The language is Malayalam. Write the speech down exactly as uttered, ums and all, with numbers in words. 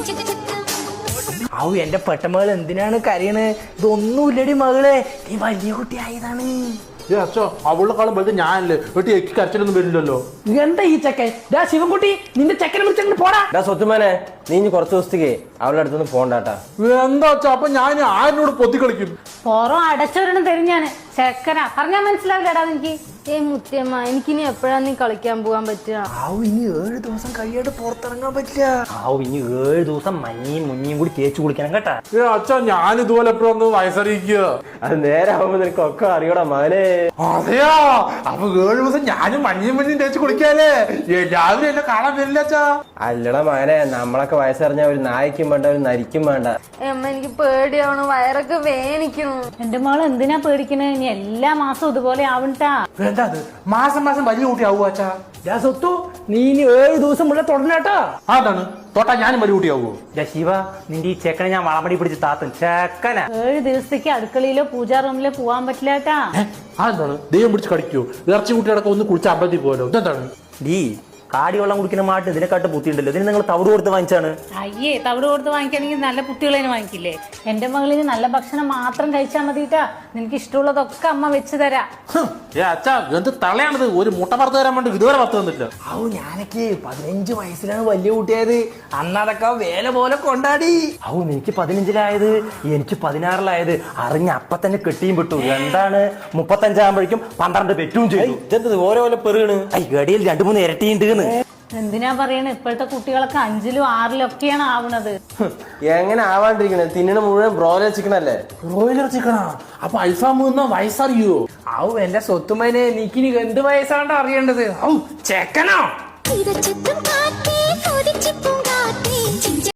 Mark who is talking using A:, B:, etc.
A: ഔ എന്റെ പെട്ടമകൾ എന്തിനാണ് കരയണ്? ഇതൊന്നുമില്ലടി മകളെ, നീ വലിയ കുട്ടിയായതാണ്.
B: അച്ഛോ അവളെക്കാളും വലുത് ഞാനല്ലേ, വീട്ടിൽ എനിക്ക് കരച്ചിലൊന്നും വരില്ലല്ലോ.
A: എന്താ ഈ ചെക്കൻ? ഡാ ശിവൻകുട്ടി, നിന്റെ ചെക്കനെ വിളിച്ചങ്ങോട്ട് പോടാ.
C: ഡാ സ്വത്തുമാനെ, നീ ഇനി കുറച്ച് ദിവസത്തേക്ക് അവളുടെ അടുത്തൊന്നും പോണ്ടാട്ടാ.
B: എന്താ അച്ഛാ, അപ്പൊ ഞാൻ ആരിനോട് പൊത്തി കളിക്കും?
D: പുറം അടച്ചവരണം തെരിഞ്ഞാണ് ചെക്കനാ പറഞ്ഞാൽ മനസ്സിലാവില്ലടാ എനിക്ക്. ഏ മുത്തിയമ്മ, എനിക്കിനി എപ്പോഴാ നീ കളിക്കാൻ പോകാൻ പറ്റുക?
A: ആവു ഇനി ഏഴ് ദിവസം കഴിയാണ്ട് പുറത്തിറങ്ങാൻ പറ്റില്ല.
E: ആവു ഇനി ഏഴ് ദിവസം മഞ്ഞയും മുഞ്ഞയും കൂടി തേച്ചു കുളിക്കണം കേട്ടാ.
B: ഏ അച്ഛാ, ഞാൻ ഇതുപോലെ എപ്പോഴൊന്ന് വയസ്സറിയിക്കുക.
C: അത് നേരെ ആവുമ്പോ നിനക്ക് ഒക്കെ അറിയടാ മകനെ.
B: അതെയാ, അപ്പൊ ഏഴ് ദിവസം ഞാനും മഞ്ഞയും മഞ്ഞയും തേച്ച് കുളിക്കാല്ലേ? എല്ലാവരും എന്നെ കാണാൻ വരില്ല അച്ഛാ.
C: അല്ലടാ മകനെ, നമ്മളൊക്കെ വയസ്സറിഞ്ഞ ഒരു നായ്ക്കും വേണ്ട ഒരു നരിക്കും വേണ്ട.
D: അമ്മ എനിക്ക് പേടിയാവണു, വയറൊക്കെ വേനിക്കണു. എന്റെ മോള് എന്തിനാ പേടിക്കണേ? ഇനി എല്ലാ മാസവും ഇതുപോലെ ആവണ്ടാ.
B: എന്താ അത്, മാസം മാസം വലിയ കുട്ടി ആവുക അച്ഛാ?
A: ഡാ സ്വത്തു, നീ ഇനി ഏഴ് ദിവസം മുന്നേ തുടങ്ങാട്ടാ.
B: അതാണ് തൊട്ടാ ഞാനും വലിയ കുട്ടിയാവോ?
E: ശിവ, നിന്റെ ഈ ചെക്കനെ ഞാൻ വളമടി പിടിച്ച് താത്തും ചെക്കന.
D: ഏഴ് ദിവസത്തേക്ക് അടുക്കളയിലോ പൂജാ റൂമിലോ പോവാൻ പറ്റില്ലാട്ടാ.
B: അതെന്താണ്, ദൈവം പിടിച്ച് കടിക്കോ? ഇറച്ചി കുട്ടിയടക്കം ഒന്ന് കുളിച്ച് അമ്പലത്തിൽ പോലോ? ഇതെന്താണ്?
E: ഡീ കാടി വെള്ളം കുടിക്കുന്ന മാട്ട് ഇതിനെക്കാട്ട് ബുദ്ധിയുണ്ടല്ലോ. ഇതിന് നിങ്ങൾ തവിട് കൊടുത്ത് വാങ്ങിച്ചാണ്.
D: അയ്യേ, തവിട് കൊടുത്ത് വാങ്ങിക്കണമെങ്കിൽ നല്ല കുട്ടികളെ വാങ്ങിക്കില്ലേ? എന്റെ മകളിന് നല്ല ഭക്ഷണം മാത്രം കഴിച്ചാൽ മതിട്ടാ. നിനക്ക് ഇഷ്ടമുള്ളതൊക്കെ അമ്മ വെച്ച് തരാം.
B: ഏ അച്ഛാ, എന്ത് തളയാണത്? ഒരു മുട്ട പറത്ത് തരാൻ വേണ്ടി ഇതുവരെ പത്ത് തന്നില്ല.
A: ഔ ഞാനൊക്കെ പതിനഞ്ച് വയസ്സിലാണ് വലിയ കുട്ടിയായത്. അന്നതൊക്കെ വേല പോലെ കൊണ്ടാടി.
E: ഔ എനിക്ക് പതിനഞ്ചിലായത്, എനിക്ക് പതിനാറിലായത്. അറിഞ്ഞ അപ്പൊ തന്നെ കെട്ടിയും വിട്ടു. എന്താണ് മുപ്പത്തഞ്ചാകുമ്പോഴേക്കും പന്ത്രണ്ട് പെറ്റും ചെയ്തു.
C: ഇതെന്തത് ഓരോ പോലെ പെറുകണ്?
E: ഐ ഗടിയിൽ രണ്ടു മൂന്ന് ഇരട്ടിയുണ്ട്.
D: എന്തിനാ പറയണേ? ഇപ്പോഴത്തെ കുട്ടികളൊക്കെ അഞ്ചിലും ആറിലും ഒക്കെയാണ് ആവണത്.
C: എങ്ങനെ ആവാണ്ടിരിക്കണേ? തിന്നണ മുഴുവൻ ബ്രോയിലർ ചിക്കൻ അല്ലേ?
B: ബ്രോയിലർ ചിക്കനാ? അപ്പൊ അൽഫാം തിന്നാ വയസ്സറിയോ?
A: ഔ എന്റെ സ്വത്തുമനെ, നീക്കിനി എന്ത് വയസ്സാണ്ട് അറിയേണ്ടത്? ഔ ചെക്കനോ?